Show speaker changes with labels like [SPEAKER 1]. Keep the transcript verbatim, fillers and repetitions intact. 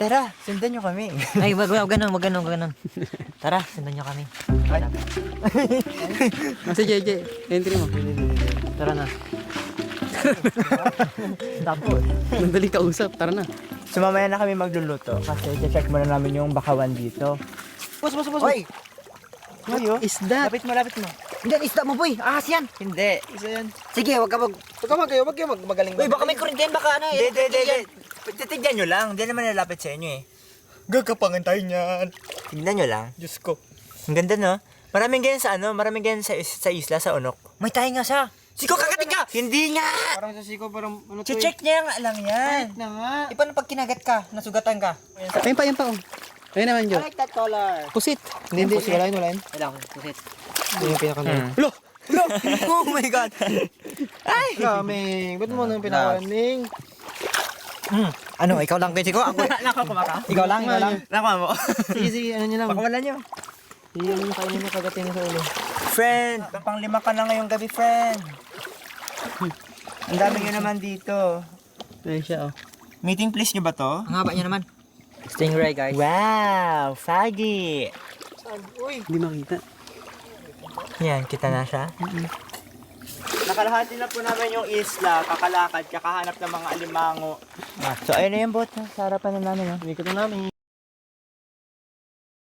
[SPEAKER 1] Tara, sundan nyo kami.
[SPEAKER 2] Ay, wag, wag, ganun, wag, ganun, wag, ganun. Tara, sundan nyo kami.
[SPEAKER 3] Kasi J J, entry mo.
[SPEAKER 2] Tara na.
[SPEAKER 1] Tapos,
[SPEAKER 3] Mandali kausap, tara na.
[SPEAKER 1] sumamaya na kami magluluto kasi check muna namin yung bakawan dito.
[SPEAKER 3] Bus, bus, bus.
[SPEAKER 1] Hoy! Hoy, oh.
[SPEAKER 3] Is that?
[SPEAKER 1] Lapit mo, lapit mo.
[SPEAKER 2] Hindi, isda mo, boy. Ahas yan.
[SPEAKER 1] Hindi. Isa yan.
[SPEAKER 2] Sige, wag ka mag...
[SPEAKER 1] Huwag ka mag kayo, wag kayo mag magaling.
[SPEAKER 2] Uy, baka may kurente yan, baka ano
[SPEAKER 1] Hindi,
[SPEAKER 2] eh.
[SPEAKER 1] hindi, hindi, hindi. Titignan nyo lang. Hindi naman nalapit sa inyo eh. Gagapangan tayo niyan. Tignan nyo lang. Diyos ko. Ang ganda no? Maraming ganyan sa ano, maraming ganyan sa, sa isla, sa Onok.
[SPEAKER 2] May tayo nga siya. Siko, kakating ka!
[SPEAKER 1] Hindi nga!
[SPEAKER 3] Parang sa siko, parang ano to
[SPEAKER 1] Che-check niya nga lang yan.
[SPEAKER 3] na nga.
[SPEAKER 2] Eh, paano pag kinagat ka, nasugatan ka?
[SPEAKER 3] Ayun pa, ayun pa, oh. Ayun naman, Jo.
[SPEAKER 1] like that color.
[SPEAKER 3] Pusit. Hindi, hindi. Wala yun, wala yun.
[SPEAKER 2] Kailangan ko, pusit.
[SPEAKER 3] Yun yung pinaka-laro.
[SPEAKER 1] Hmm. Lo! Lo! Oh my God! Ay!
[SPEAKER 3] Kaming, ba't mo nang pinaka-landing?
[SPEAKER 2] Hmm. Ano, ikaw lang kayo, Siko? Ako,
[SPEAKER 1] Nakakuha ka?
[SPEAKER 2] ikaw lang, ikaw lang.
[SPEAKER 1] Nakuha mo.
[SPEAKER 3] Sige, sige, ano nyo lang.
[SPEAKER 1] Pakawalan nyo.
[SPEAKER 3] Sige, ano nyo, kainin nyo, kagatin nyo sa ulo.
[SPEAKER 1] Friend, pang lima ka na ngayong gabi, friend. Ang dami nyo naman dito.
[SPEAKER 3] Ayun siya, oh.
[SPEAKER 1] Meeting place nyo ba to?
[SPEAKER 2] Ang haba niya naman. Stingray, guys.
[SPEAKER 1] Wow! Fagi!
[SPEAKER 3] Hindi makita.
[SPEAKER 1] Yan, kita na siya. Nakalahati na po namin yung isla, kakalakad, kakahanap ng mga alimango. So, ayun na yung boat. Sa harapan na namin.
[SPEAKER 3] Ikot na namin.